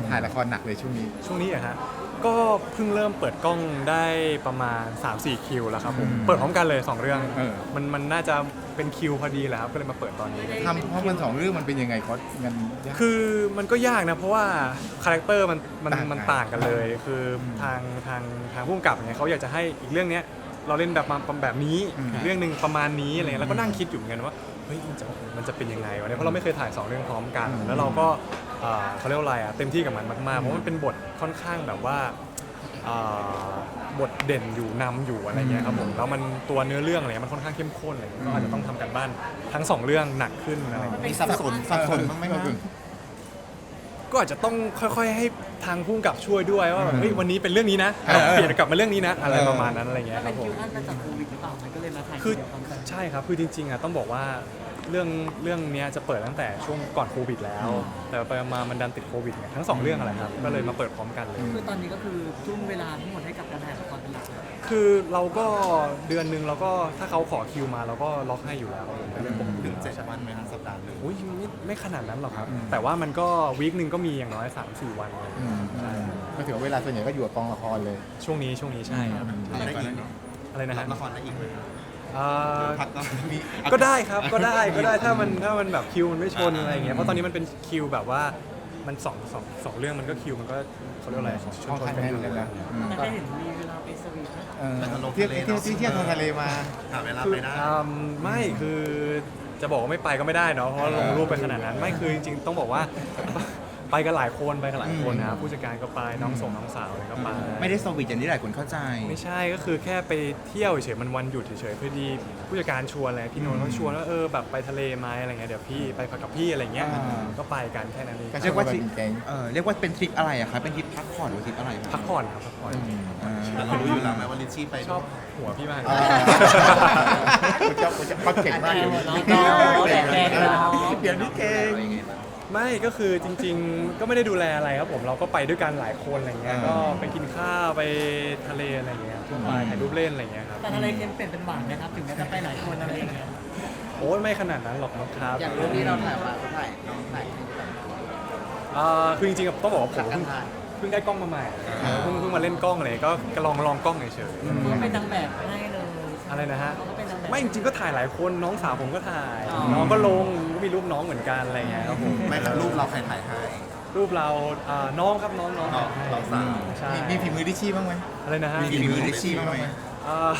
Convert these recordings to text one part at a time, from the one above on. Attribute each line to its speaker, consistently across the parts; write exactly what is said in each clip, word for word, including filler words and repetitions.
Speaker 1: ถ่ายละครหนักเลยช่วงนี้
Speaker 2: ช่วงนี้อะฮะก็เพิ่งเริ่มเปิดกล้องได้ประมาณ สามสี่ คิวแล้วครับผม
Speaker 1: อืม
Speaker 2: เปิดพร้อมกันเลยสองเรื่อง
Speaker 1: เออ
Speaker 2: มันมันน่าจะเป็นคิวพอดีแหละครับก็เลยมาเปิดตอนนี้
Speaker 1: ทำเพราะมันสองเรื่องมันเป็นยังไงคอสมันยาก
Speaker 2: คือมันก็ยากนะเพราะว่าคาแรคเตอร์มันมัน
Speaker 1: ต่างกัน
Speaker 2: มันต่างกันเลย คือทางทางทางผู้กำกับเนี่ยเขาอยากจะให้อีกเรื่องเนี้ยเราเล่นแบบมาแบบนี้
Speaker 1: อืม
Speaker 2: อีกเรื่องหนึ่งประมาณนี้อะไรเงี้ยแล้วก็นั่งคิดอยู่เหมือนกันว่าเฮ้ยมันจะมันจะเป็นยังไงวะเนี่ยเพราะเราไม่เคยถ่ายสองเรื่องพร้อมกัน แล้วเราก็เอ่อเขาเรียกว่าอะไรอ่ะเต็มที่กับมันมากๆเพราะมันเป็นบทค่อนข้างแบบว่าเอ่อบทเด่นอยู่นำอยู่อะไรเงี้ยครับผมแล้วมันตัวเนื้อเรื่องอะไรเงี้ยมันค่อนข้างเข้มข้นอะไรเงี้ยก็อาจจะต้องทำกันบ้านทั้งสองเรื่องหนักขึ้นอะไรเงี้ย
Speaker 1: มีสับสนสับสนบ้างไหมครับ
Speaker 2: ก็อาจจะต้องค่อยๆให้ทางผู้กำกับช่วยด้วยว่าแบบ
Speaker 1: อืม
Speaker 2: เฮ้ยวันนี้เป็นเรื่องนี้นะ
Speaker 1: เออ
Speaker 2: เปลี่ยนกลับมาเรื่องนี้นะอะไร
Speaker 1: เออ
Speaker 2: ประมาณนั้นอะไรเงี้ยค
Speaker 3: เป็
Speaker 2: รับ
Speaker 3: น
Speaker 2: ผ
Speaker 3: คิ
Speaker 2: ม
Speaker 3: วอันมาจากโควิดหรือเปล่ามันก็เลยมาถ่าย
Speaker 2: คือ
Speaker 3: เดียวกัน
Speaker 2: ใช่ครับคือจริงๆอ่ะต้องบอกว่าเรื่องเรื่องเนี้ยจะเปิดตั้งแต่ช่วงก่อนโควิดแล้ว แต่ไปมามันดันติดโควิดเนี่ยทั้งสองเรื่องอะไรครับก็เลยมาเปิดพร้อมกันเลย
Speaker 3: คือตอนนี้ก็คือทุ่มเวลาทั้งหมดให้กับการถ่ายละครเป็นหลักเลย
Speaker 2: คือเราก็เดือนหนึ่งเราก็ถ้าเขาขอคิวมาเราก็ล็อกให้อยู่แล้วเป็นเรื่องปกติ
Speaker 4: ถึงเจ็ดวันไหมครับสัปดาห์หนึ่ง
Speaker 2: อุ้ยไม่ไม่ขนาดนั้นหรอกครับ
Speaker 1: อืม
Speaker 2: แต่ว่ามันก็วีคหนึ่งก็มีอย่างน้อย สามสี่ วันเลย
Speaker 1: อืมก็ถือว่าเวลาส่วนใหญ่ก็อยู่กับกองละครเลย
Speaker 2: ช่วงนี้ช่วงนี้ใช่ครับ
Speaker 4: รับได้อีกเนาะ
Speaker 2: อะไรนะ
Speaker 4: รั
Speaker 2: ฮะ
Speaker 4: บละครได้อีกไหมครับ
Speaker 2: เอ่อ
Speaker 4: พักก็มี
Speaker 2: ก็ได้ครับก็ได้ก็ได้ถ้ามันถ้ามันแบบคิวมันไม่ชนอะไรอย่างเงี้ยเพราะตอนนี้มันเป็นคิวแบบว่ามันสองสองสองเรื่องมันก็คิวมันก็เขาเรียกว่าอะไรชนชนกันอยู่
Speaker 1: ค่อนข้างแน่นเลยนะ
Speaker 3: แต่ก็เห็นมีเวลาไปสวีทนะ
Speaker 1: เออเที่ยวเที่ยวที่เที่ยวทางทะเลมา
Speaker 4: หาเวลา
Speaker 2: คือ
Speaker 4: ไปได้
Speaker 2: อืมไม่คือจะบอกว่าไม่ไปก็ไม่ได้เนาะเพราะว่าลงรูปไปขนาดนั้นไม่คือจริงๆต้องบอกว่า ไปกันหลายคนไปกันหลายคนนะครับผู้จัดการก็ไปน้องส่งน้องสาวอะไรก็ไป
Speaker 5: ไม่ได้สวีทอย่างที่หลายคนเข้าใจ
Speaker 2: ไม่ใช่ก็คือแค่ไปเที่ยวเฉยๆมันวันหยุดเฉยๆพอดีผู้จัดการชวนอะไรพี่โนนท์เขาชวนว่าเออแบบไปทะเลไหมอะไรเงี้ยเดี๋ยวพี่ไปพักกับพี่อะไรเงี้ย
Speaker 1: อ่า
Speaker 2: ก็ไปกันแค่นั้นเอง
Speaker 1: ก็
Speaker 5: เรียกว่า
Speaker 1: ท
Speaker 5: ทริ
Speaker 1: ริ
Speaker 5: ป
Speaker 1: ปแก๊ง
Speaker 5: เออเรียกว่าเป็นทริปอะไรอะคะเป็นทริปพักผ่อนหรือทริปอะไรคะ
Speaker 2: พักผ่อนครับพักผ่อน
Speaker 5: อ่า
Speaker 4: แต่เรารู้อยู่แล้วไหมว่าลิชชี่ไป
Speaker 2: ชอบหัวพี่มาก
Speaker 1: อ่าคุณจะคุณจะปักเก่งมากเลย
Speaker 3: น้องๆแดกแดกน้อง
Speaker 1: เดี๋ยวนี้เก่ง
Speaker 2: ไม่ก็คือจริงๆ ก็ไม่ได้ดูแลอะไรครับผมเราก็ไปด้วยกันหลายคนอะไรเงี้ย
Speaker 1: อ่า
Speaker 2: ก็ไปกินข้าวไปทะเลอะไรเงี้ยทั่วไปถ่ายรูปเล่นอะไรเงี้ยครับ
Speaker 3: แต่อะไรเค็มเปลี่ยนเป็นหวานนะครับถึงแม้จะไปหลายคนอะไรอย่างเงี้ย
Speaker 2: โอ้ยไม่ขนาดนั้นหรอกนะครับ
Speaker 3: อย่างเรื่องนี้เราถ่ายมาเราถ่ายน้องถ่าย
Speaker 2: อ่าคือจริงๆต้องบอกว่าผมเพิ่งเพิ่งได้กล้องมาใหม่เพิ่งเพิ่งมาเล่นกล้องอะไรก็ก็ลองลองกล้องเฉย
Speaker 3: เขาเป็นนางแบบให้เลย
Speaker 2: ๆอะไรนะฮะ
Speaker 3: เขาเป็นนางแบบ
Speaker 2: ไม่จริงๆก็ถ่ายหลายคนน้องสาวผมก็ถ่าย
Speaker 3: อ๋อ
Speaker 2: น้องก็ลงก็มีรูปน้องเหมือนกันอะไรเงี้ยครับผม
Speaker 4: ไม่แล้วรูปเราใครถ่ายให้
Speaker 2: รูปเราอ่าน้องครับน้องน้อง
Speaker 4: น้องน้องสาว
Speaker 2: ใช่
Speaker 1: มีมีฝีมือดิชชี่บ้างไหม
Speaker 2: อะไรนะฮะ
Speaker 1: มีฝีมือดิชชี่บ้างไหม
Speaker 2: อ่า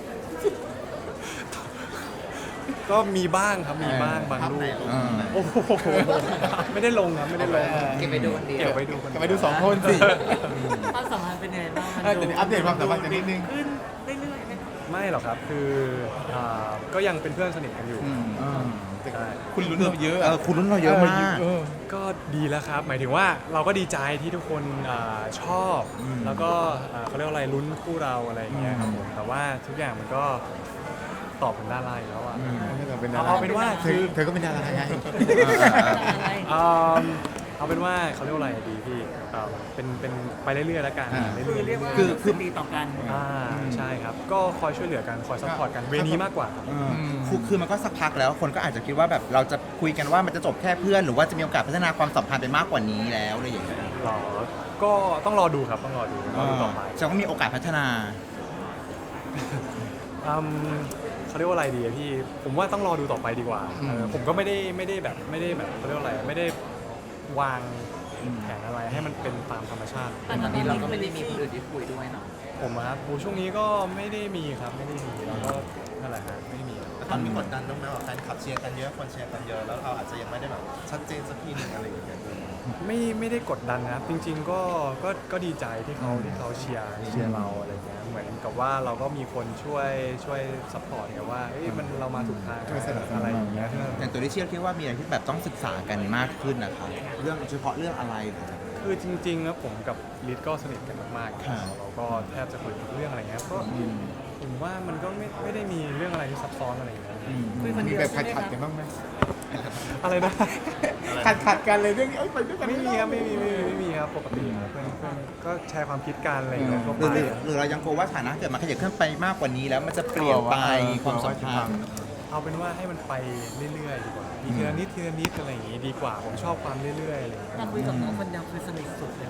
Speaker 2: ก็มีบ้างครับมีบ้างบาง
Speaker 4: ภาพ
Speaker 2: รู
Speaker 4: ไหน
Speaker 2: ป
Speaker 4: รูป
Speaker 1: อ่า
Speaker 4: ไหน
Speaker 2: โอ้โหไม่ได้ลงครับไม่ได้ลง
Speaker 3: เก็บไปดูคนเดียว
Speaker 2: เก็บไว้ดูคน
Speaker 1: ก็ไปดูสองคนสิ
Speaker 3: ความสัมพันธ์เป็นยังไงบ้าง
Speaker 1: เออเดี๋ยวอัปเดตความสัมพันธ์กันนิดนึง
Speaker 3: ขึ้นเรื่อยๆไหมครับ
Speaker 2: ไม่หรอกครับคืออ่าก็ยังเป็นเพื่อนสนิทกันอยู่
Speaker 1: แต่
Speaker 2: ใช่
Speaker 1: คุณลุ้นเราเยอะ
Speaker 5: เออคุณรุ่นเราเยอะมาก
Speaker 1: เออ
Speaker 2: ก็ดีแล้วครับ หมายถึงว่าเราก็ดีใจที่ทุกคนอาชอบ แล้วก็อ่าเขาเรียกว่าอะไรลุ้นคู่เราอะไรอย่างเงี้ยครับผมแต่ว่าทุกอย่างมันก็ตอบเป็นดาราอยู่แล้วอ่ะ
Speaker 1: อืมเราเป็นดารา
Speaker 2: เอาเป็นว่า
Speaker 1: เธ
Speaker 2: คือ
Speaker 1: อเธอก็เป็นดาราไง
Speaker 3: อะไร
Speaker 2: อืมเอาเป็นว่าเขาเรียกว่าอะไรดีพี่เอ่อเป็นเป็นไปเรื่อยๆแล้วกัน
Speaker 1: อ่า
Speaker 2: เรื่
Speaker 3: คือ
Speaker 2: อยๆ
Speaker 3: เรียกว่า
Speaker 5: คือคือ
Speaker 3: ดีต่อกัน
Speaker 2: อ่าใช่ครับ ก็คอยช่วยเหลือกันคอยซัพพอร์ตกันเวนี้มากกว่าครับ
Speaker 5: เออคือคือมันก็สักพักแล้วคนก็อาจจะคิดว่าแบบเราจะคุยกันว่ามันจะจบแค่เพื่อน หรือว่าจะมีโอกาสพัฒนาความสัมพันธ์ไปมากกว่านี้แล้วอะไรอย่างเงี้ย
Speaker 2: หรอก็ต้องรอดูครับต้องรอดูรอดูต่อไป
Speaker 5: จะก็มีโอกาสพัฒนา
Speaker 2: อืมเขาเรียกว่าอะไรดีอะพี่ผมว่าต้องรอดูต่อไปดีกว่าเออผมก็ไม่ได้ไม่ได้แบบไม่ได้แบบเขาเรียกว่าอะไรไม่ได้วางแผนอะไรให้มันเป็นตามธรรมชาติ
Speaker 3: แต่ตอนนี้เราก็ไม่ได้มีคนอื่นที่คุยด้วยเนาะ
Speaker 2: ผมอะครับโอ้ช่วงนี้ก็ไม่ได้มีครับไม่ได้มีแล้วก็นั่นแหละครับไม่ได้มีครับ
Speaker 4: แล้วตอนมีกดดันบ้างไหมว่าแฟนคลับเชียร์กันเยอะคนเชียร์กันเยอะแล้วเราอาจจะยังไม่ได้แบบชัดเจนสักทีหนึงอะไรอย่างเงี้ย
Speaker 2: ไม่ไม่ได้กดดันนะครับจริง ๆ ก็ก็ก็ดีใจที่เขาที่เขาเชียร์เชียร์เราอะไรเงี้ยเหมือนกับว่าเราก็มีคนช่วยช่วยซัพพอร์ตไงว่าเอ้ยมันเรามาถูกทาง
Speaker 1: ช่วยสนับสนุน
Speaker 2: อะไรอย่างเงี้ย
Speaker 5: อย่างตัวที่เชื่อคิดว่ามีอะไรที่แบบต้องศึกษากันมากขึ้นนะคะเรื่องเฉพาะเรื่องอะไรหรืออะไร
Speaker 2: คือจริงๆแล้วผมกับลิศก็สนิทกันมากๆ
Speaker 5: ครับ
Speaker 2: เราก็แทบจะคุยทุกเรื่องอะไรเงี้ยก็ผมว่ามันก็ไม่ไม่ได้มีเรื่องอะไรที่ซับซ้อนอะไรอย่างเงี้ย
Speaker 3: คุยคน
Speaker 1: มี
Speaker 3: เดียว
Speaker 1: แบบ
Speaker 3: ใช่
Speaker 1: ขัด
Speaker 3: ไหม
Speaker 1: ขัด
Speaker 3: ครับ
Speaker 1: กันบ้างไหม
Speaker 2: อะไรนะ
Speaker 1: ขัดขัดกันเลยเรื่องนี้เอ้ยไปด้วยกัน
Speaker 2: ไม่มีครับไม่มีไม่มีไม่มีครับปกติครับเพื่อนเพื่อนก็แชร์ความคิดกันอะไรอย่างเงี้ยทั่ว
Speaker 5: ห
Speaker 2: ไป
Speaker 5: รือหรือเรายังกลัวว่าฐานะเกิดมาขยับขึ้นไปมากกว่านี้แล้วมันจะเปลี่ยนไปความสัมพันธ์
Speaker 2: เอาเป็นว่าให้มันไปเรื่อยๆดีกว่ามีทีละนิดทีละนิดอะไรอย่างงี้ดีกว่าผมชอบความเรื่อยๆอะไรอย่างเงี้ย
Speaker 3: ถ้าคุยกับน้องคนเดียวคือสนิทสุดเลย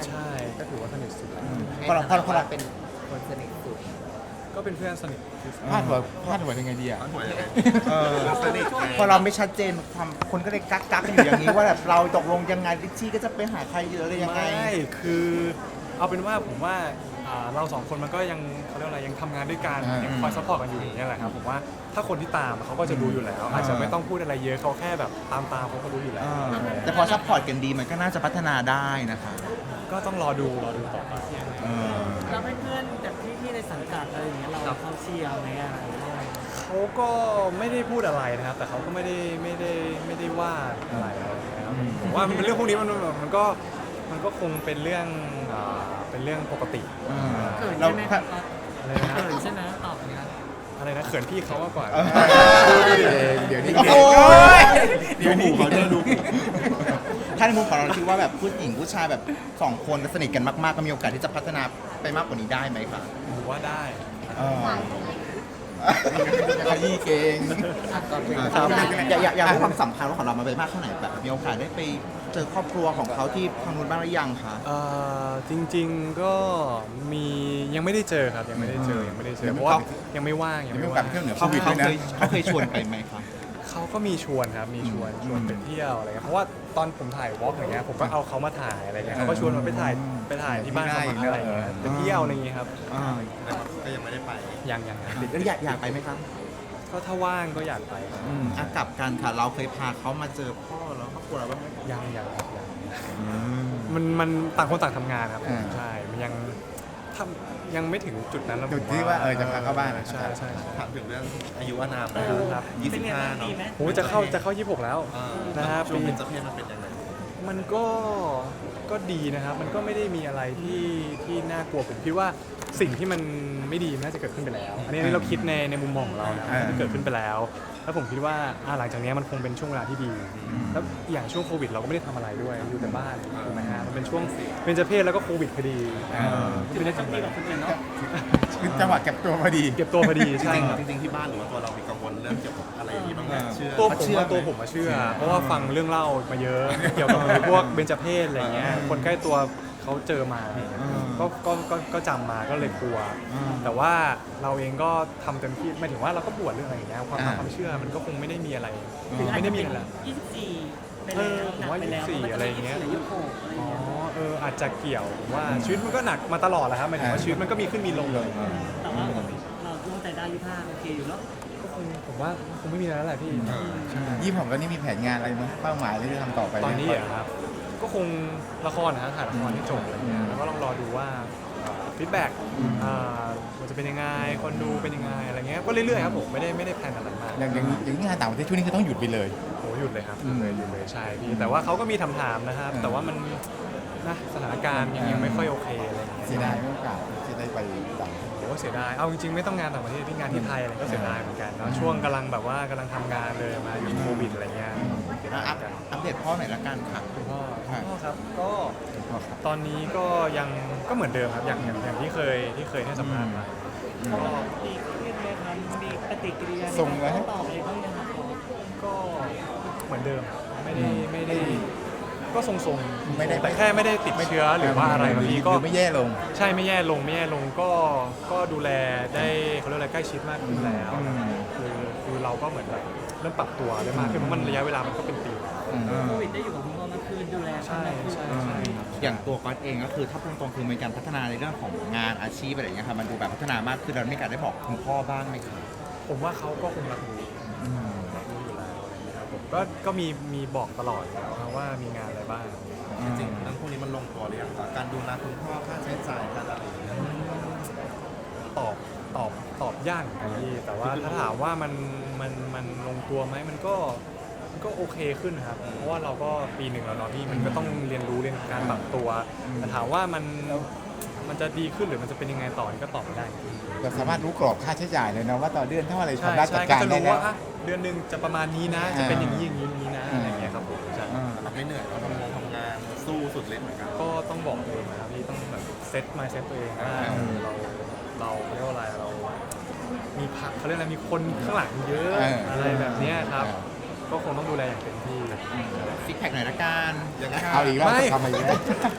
Speaker 2: ใช่ก็ถือว่าสนิทสุดแล้ว
Speaker 5: พอเราพอเราพอเรา
Speaker 3: เป็นคนสนิทสุด
Speaker 2: ก็เป็นเพื่อนสนิทที่สุด
Speaker 1: พลาดหัวพลาดหัวยังไงดีอ่ะ
Speaker 4: มันหัวยังไง
Speaker 5: เออ
Speaker 4: สนิทไง
Speaker 5: พอเราไม่ชัดเจนความคนก็เลยกักกักๆกันอยู่อย่างนี้ว่าแบบเราตกลงยังไงลิชชี่ก็จะไปหาใครหรืออะไรยังไง
Speaker 2: ไม่คือเอาเป็นว่าผมว่าอ่าเราสองคนมันก็ยังเขาเรียกว่าอะไรยังทำงานด้วยกัน
Speaker 1: อ่ายั
Speaker 2: ยังคอยซัพพอร์ตกันอยู่อย่างนี้ยแหละครับผมว่าถ้าคนที่ตามเขาก็จะรู้อยู่แล้ว อาจจะไม่ต้องพูดอะไรเยอะเขาแค่แบบตามตามเขาก็รู้อยู่แล้ว
Speaker 5: เออแต่พอซัพพอร์ตกันดีมันก็น่าจะพัฒนาได้นะคะ
Speaker 2: ก็ต้องรอดูรอดูต่อไป
Speaker 5: เออ
Speaker 3: เราเป็นเพื่อนแบบพี่ๆในสังกัดอะไรอย่างเงี้ยเราเขาเชียร์ไหมอะไร
Speaker 2: เขาก็ไม่ได้พูดอะไรนะครับ แต่เขาก็ไม่ได้ไม่ได้ไม่ได้ว่าอะไรนะครับผมว่ามันเป็นเรื่องพวกนี้มันมันมันก็มันก็คงเป็นเรื่องอ่าเป็นเรื่องปกติ
Speaker 5: เออ
Speaker 3: เขิน
Speaker 5: เรา
Speaker 3: ใช่ไหมครับ
Speaker 2: อะไรนะ
Speaker 3: เขินใช่ไหมตอบอย่างนั้น
Speaker 2: อะไรนะเขินพี่เขามากกว่า
Speaker 1: เดี๋ยวนี้
Speaker 5: โอ้ย
Speaker 1: เดี๋ยวนี้เขาจะดู
Speaker 5: ถ้าในมุมของเราคิดว่าแบบผู้หญิงผู้ชายแบบสองคนสนิทกันมากๆก็มีโอกาสที่จะพัฒนาไปมากกว่านี้ได้ไหมคะ
Speaker 2: ผมว่าได้
Speaker 5: เออ
Speaker 1: ขยี้เก่ง
Speaker 5: ครับอยากอยากอยากให้ความสำคัญของเรามาไปมากเท่าไหร่แบบมีโอกาสได้ไปเจอครอบครัวของเขาที่ทางนู้นบ้างหรือยังคะ
Speaker 2: เอ่อจริงๆก็มียังไม่ได้เจอครับยังไม่ได้เจอยังไม่ได้เจอเพราะว่ายังไม่ว่าง
Speaker 1: ยั
Speaker 2: ยัง ง
Speaker 1: ไม่
Speaker 2: ไม่
Speaker 1: โอกาส
Speaker 2: ว่าง
Speaker 1: ไปเที่ยวเหนือโค
Speaker 5: เขา
Speaker 1: วิด
Speaker 5: เขา
Speaker 1: ด้วยนะ
Speaker 5: เคยเขาเคยชวนไปไหมคะ
Speaker 2: เขาก็มีชวนครับมีชวนชวนไปเที่ยวอะไรเงี้ยเพราะว่าตอนผมถ่ายวอล์กอย่างเงี้ยผมก็เอาเขามาถ่ายอะไรเงี้ยเขาก็ชวนมาไปถ่ายไปถ่ายที่บ้านเขามาอะไรเงี้ยไปเที่ยวอะไรเงี้ยครับ
Speaker 5: อ่า
Speaker 4: แต่ก็ยังไม่ได้ไป
Speaker 2: ยังยังครับ
Speaker 5: แล้วอยากอยากไปไหมครับ
Speaker 2: ก็ถ้าว่างก็อยากไปครับ
Speaker 5: อืมอ่ะกลับกันค่ะเราเคยพาเขามาเจอพ่อแล้วครอบครัวเราบ้างไหม
Speaker 2: ยังยังครับยังมันมันต่างคนต่างทำงานครับ
Speaker 1: อ่า
Speaker 2: ใช่มันยังทำยังไม่ถึงจุดนั้นแล้ว
Speaker 1: จุดที่ว่าเออจะพาเข้าบ้าน
Speaker 2: ใช่ใช่ใช่
Speaker 4: ถามถึงเรื่องอายุอานาม
Speaker 3: เอ
Speaker 4: นะ
Speaker 3: อ
Speaker 2: ครับ
Speaker 4: ยี่
Speaker 3: เป็
Speaker 4: สิ
Speaker 3: น
Speaker 4: บ
Speaker 3: ไง
Speaker 4: ห้า
Speaker 3: บ้าง
Speaker 4: เนาะ
Speaker 3: ดีไหม
Speaker 2: โอ้จะเข้าจะเข้ายี่สิบหกแล้ว
Speaker 4: อ่า
Speaker 2: นะฮะ
Speaker 4: ช่วง
Speaker 2: ปี
Speaker 4: เป็นเจ้าเพศมันเป็นยังไง
Speaker 2: มันก็ก็ดีนะครับ มันก็ไม่ได้มีอะไรที่ที่น่ากลัวผมคิดว่าสิ่งที่มันไม่ดีมันน่าจะเกิดขึ้นไปแล้ว อันนี้อันนี้เราคิดในในมุมมองของเรานะ
Speaker 1: อ่า
Speaker 2: ที่เกิดขึ้นไปแล้ว แล้วผมคิดว่าอ่าหลังจากนี้มันคงเป็นช่วงเวลาที่ดี แล้วอย่างช่วงโควิดเราก็ไม่ได้ทำอะไรด้วยอยู่แต่บ้านถูกไหมฮะมันเป็นช่วงเป็นเจเพศแล้วก็โควิดพอดี
Speaker 1: อ่า
Speaker 2: ที่ไม่ได้ทำอะไร
Speaker 1: คือจังหวะเก็บตัวพอดี
Speaker 2: เก็บตัวพอดี
Speaker 4: จ
Speaker 2: ใช่
Speaker 4: ริง
Speaker 2: ครับ
Speaker 4: ๆจริงๆที่บ้านหรือว่าตัวเรามีกังวลเรื่องเกี่ยวกับอะไรอย่างนี้บ้างไหมเชื่อ
Speaker 2: ตัวผม
Speaker 5: เชื่อ
Speaker 2: ว่า
Speaker 5: ไหม
Speaker 2: ตัวผมมาเชื่อ เพราะว่าฟังเรื่องเล่ามาเยอะ เกี่ยวกับพวกเบญจเพศอะไรเงี้ยคนใกล้ตัวเขาเจอมาก็ก็ก็ก็จำมาก็เลยกลัว แต่ว่าเราเองก็ทำเต็มที่หมายถึงว่าเราก็บวชเรื่องอะไรอย่างเงี้ยความ
Speaker 1: อ่า
Speaker 2: ความเชื่อมันก็คงไม่ได้มีอะไร
Speaker 3: คืออาจ
Speaker 2: ไม่
Speaker 3: จะ
Speaker 2: ได้มี
Speaker 3: เป็น
Speaker 2: อะไร
Speaker 3: ยี่สิบสี่ไป
Speaker 2: เอ
Speaker 3: แล้ว
Speaker 2: อผม
Speaker 3: หนัก
Speaker 2: ว่า
Speaker 3: ไปแล้ว
Speaker 2: ยี่สิบสี่
Speaker 3: มัน
Speaker 2: อะไรอย่างเงี้ย
Speaker 3: ยี่สิบหกอะไร
Speaker 2: อ๋อ
Speaker 3: เงี้ย
Speaker 2: เอออาจจะเกี่ยวผมว่าชีวิตมันก็หนักมาตลอดแหละครับหมายถึงว่าชีวิตมันก็มีขึ้นมีลงเลย
Speaker 3: แต่ว่าเราร่วมใจได้ยี่สิบห้าโอเคอยู่เนาะ
Speaker 2: ก็คงผมว่าคงไม่มีอะไรแล้วแหละพี่
Speaker 1: ยี่สิบหกแล้วนี่มีแผนงานอะไรมั้ยเป้าหมายอะไรที่จะทำต่อไปไหม
Speaker 2: ตอนนี้เหรอครับ ก็คงละครนะฮะถ่ายละครให้จบอะไรเงี้ยแล้วก็ลองรอดูว่าฟีดแบ็กมันจะเป็นยังไงคนดูเป็นยังไงอะไรเงี้ยก็เรื่อยๆครับผมไม่ได้ไม่ได้แพลนอะไรมาก
Speaker 1: อย่างอย่างอย่างนี้งานต่างประเทศช่วงนี้คือต้องหยุดไปเลย
Speaker 2: โอ้หยุดเลยครับห
Speaker 1: อื
Speaker 2: ยุด
Speaker 1: ม
Speaker 2: เลยหยุดเลยใช่พี่แต่ว่าเขาก็มีถามๆนะครับ
Speaker 1: อืม
Speaker 2: แต่ว่ามันนะสถานการณ์ยังยังไม่ค่อยโอเคอะไรเงี้ย
Speaker 1: เสียดายโอกาสที่ได้ไปต่าง
Speaker 2: โอ้เสียดายเอาจริงๆไม่ต้องงานต่างประเทศที่งานที่ไทยอะไรก็เสียดายเหมือนกันเนาะช่วงกำลังแบบว่ากำลังทำงานเลยมาอยู่โควิดอะไรเงี้ยเสียดายเห
Speaker 5: อั
Speaker 2: มื
Speaker 5: ป
Speaker 2: อนกัน
Speaker 5: อัปเดตพ่อหน่อยละกันค่ะ
Speaker 2: คุณพ่อ
Speaker 1: ครับ
Speaker 2: คุณพ่อครับก็
Speaker 1: พ่อครับ
Speaker 2: ตอนนี้ก็ยังก็เหมือนเดิมครับอย่างอย่างอย่างที่เคยที่เคยให้สัมภาษณ์มา
Speaker 3: เพราะว่าดีขึ้นไหมครับมีปฏิกิริยา
Speaker 1: ส่งไว้ให้
Speaker 3: ตอบอะไรบ้างยังครับ
Speaker 2: ก็เหมือนเดิมไม่ได้ไม่ได้ก็ทรงๆ
Speaker 1: ไม่ได้
Speaker 2: แต่แค่ไม่ได้ติดเชื้อหรือว่าอะไรบางทีก็
Speaker 1: หรือไม่แย่ลง
Speaker 2: ใช่ไม่แย่ลงไม่แย่ลงก็ก็ดูแลได้เขาเรียกอะไรใกล้ชิดมากขึ้นแล้ว
Speaker 1: อืม
Speaker 2: คือคือเราก็เหมือนแบบเริ่มปรับตัวได้มากขึ้นเพราะมันระยะเวลามันก็เป็นปีแล้ว
Speaker 1: อืม
Speaker 3: โควิดได้อยู่กับคุณพ่อมากขึ้นดูแล
Speaker 2: ใช่
Speaker 3: มากขึ้น
Speaker 2: ใช่ใช่ครับ
Speaker 5: อย่างตัวก๊อตเองก็คือถ้าพูดตรงๆคือมีการพัฒนาในเรื่องของงานอาชีพอะไรอย่างเงี้ยค่ะมันดูแบบพัฒนามากขึ้นเราไม่การได้บอกคุณพ่อบ้างไหมคะ
Speaker 2: ผมว่าเขาก็คงรับรู้
Speaker 1: อืม
Speaker 2: รับรู้อยู่แล้วอะไรอย่างเงี้ยครับผมก็ก็มีมีบอกตลอดอยู่แล้วครับว่ามีงานอะไรบ้าง
Speaker 4: จริงๆเรื่องพวกนี้มันลงตัวหรือยังคะการดูแลคุณพ่อค่าใช้จ่ายการอะไรอย่างเงี้ย
Speaker 2: ตอบตอบตอบยากเหมือนกันพี่แต่ว่าถ้าถามว่ามันมันมันลงตัวไหมมันก็มันก็โอเคขึ้นนะครับ เพราะว่าเราก็ปีหนึ่งแล้วเนาะพี่มันก็ต้องเรียนรู้เรียนการปรับตัวแต่ถามว่ามันมันจะดีขึ้นหรือมันจะเป็นยังไงต่อนี่ก็ตอบไม่ได้
Speaker 1: เราสามารถรู้กรอบค่าใช้จ่ายเลยนะว่าต่อเดือนเท่าไหร่
Speaker 2: ใช่
Speaker 1: ทำได้จั
Speaker 2: ใช่
Speaker 1: ด
Speaker 2: ก็
Speaker 1: การ
Speaker 2: จะ
Speaker 1: ได้
Speaker 2: รู้
Speaker 1: แล้ว
Speaker 2: ว่าอ่ะเดือนหนึ่งจะประมาณนี้นะ จะเป็นอย่างนี้อย่างนี้อย่างนี้นะอะไรอย่างเงี้ยครับผมใช่
Speaker 1: อ่า
Speaker 4: เราไม่เหนื่อยเราทำงานทำงานสู้สุดฤทธิ์เหมือนกัน
Speaker 2: ก็ต้องบอกตัวเองนะครับพี่ต้องแบบเซตมาเซตตัวเองว่า
Speaker 1: อืม
Speaker 2: เราเราเขาเรียกว่าอะไรเรา มีพักเขาเรียกอะไรมีคนข้างหลังเยอะ
Speaker 1: เอออ
Speaker 2: อะไรแบบเนี้ยครับ ก็คงต้องดูแลอย่างเต็มที่
Speaker 5: ซิกแพคหน่อยละกัน
Speaker 4: ยังไง
Speaker 1: เอาอีกแล้ว
Speaker 2: ไม่
Speaker 1: จะทำอะไรอีกแล้ว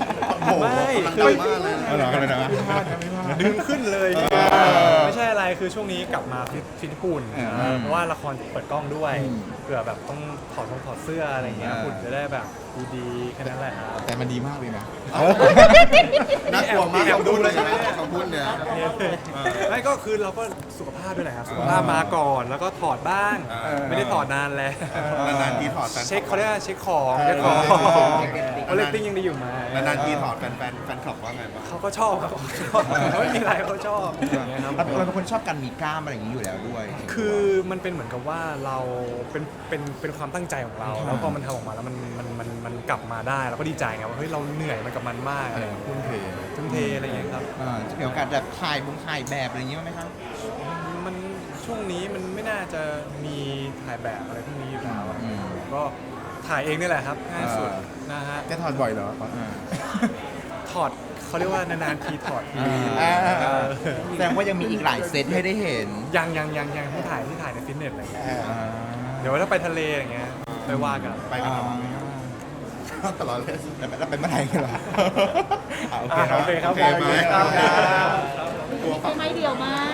Speaker 1: โอ้โห
Speaker 2: ไม่
Speaker 1: กำลังดังมากเลย
Speaker 5: เอาเหรอกันเลยนะ
Speaker 2: ดึงขึ้นเลย
Speaker 5: อ
Speaker 2: ไม่ใช่อะไรคือช่วงนี้กลับมาฟิตฟิตหุ่น
Speaker 5: เออ
Speaker 2: เออเพราะว่าละครเปิดกล้องด้วย
Speaker 5: อืม
Speaker 2: เผื่อแบบต้องถอดรองถอดเสื้ออะไรเงี้ย
Speaker 5: เออ
Speaker 2: หุ่นจะได้แบบดีๆแค่นั้นแหละครับ
Speaker 1: แต่มันดีมากเลยนะ
Speaker 5: เออ
Speaker 1: น่ากลัวมาก
Speaker 2: แอบดูเลยใช่ไหม
Speaker 1: คำพูดเนี่ย
Speaker 2: ไม่ก็คือเราก็สุขภาพด้วยแหละครับสุขภาพมาก่อนแล้วก็ถอดบ้าง
Speaker 1: เออ
Speaker 2: ไม่ได้ถอดนานแล้ว
Speaker 1: นานๆทีถอดแฟน
Speaker 2: เช็คเขาเรียกว่าเช็คของเช็คของ
Speaker 5: เออ
Speaker 2: ว่าเรตติ้งยังดีอยู่ไหม
Speaker 1: นานๆทีถอดแฟนแฟนแฟนคลับว่าไงบ้าง
Speaker 2: เขาก็ชอบครับเขาชอบเขาไม่มีอะไรเขาชอบอย่างเงี้ยครับ
Speaker 5: เราเป็นคนชอบการมีกล้ามอะไรอย่างนี้อยู่แล้วด้วย
Speaker 2: คือมันเป็นเหมือนกับว่าเราเป็นเป็นเป็นความตั้งใจของเรา แล้วพอมันทำออกมาแล้วมันมันมันมันกลับมาได้เราก็ดีใจไงว่าเฮ้ยเราเหนื่อยมันกับมันมากอะไรอย่างเงี้ย
Speaker 1: ทุ่มเท
Speaker 2: ทุ่มเทอะไรอย่างเงี้ยครับ
Speaker 5: อ่าจะมีโอกาสแบบถ่ายบุงถ่ายแบบอะไรอย่างนี้บ้างไหมครับ
Speaker 2: มันช่วงนี้มันไม่น่าจะมีถ่ายแบบอะไรพวกนี้อยู่แล้ว
Speaker 5: อืม
Speaker 2: ก็ถ่ายเองนี่แหละครับง่ายสุด
Speaker 1: อ่า
Speaker 2: นะฮะ
Speaker 1: แกถอดบ่อยเหรอ
Speaker 5: อ่า
Speaker 2: ถอดเขาเรียกว่านานๆทีถอดที
Speaker 5: อ่า
Speaker 2: เออ
Speaker 5: แสดงว่ายังมีอีกหลายเซตให้ได้เห็น
Speaker 2: ยังยังยังยังที่ถ่ายที่ถ่ายในฟิตเนสอะไรอย่างเงี้ย
Speaker 5: อ่า
Speaker 2: เดี๋ยวถ้าไปทะเลอย่างเงี้ยไปว่ากัน
Speaker 1: ไปกันตลอดเลย
Speaker 5: แล้วแล้วเป็นเมื่อไหร่กันเหรออ่าโอเค
Speaker 2: อ่ะ
Speaker 5: เนาะ
Speaker 2: โอเคครับ
Speaker 1: โอเคไหม
Speaker 2: ครับ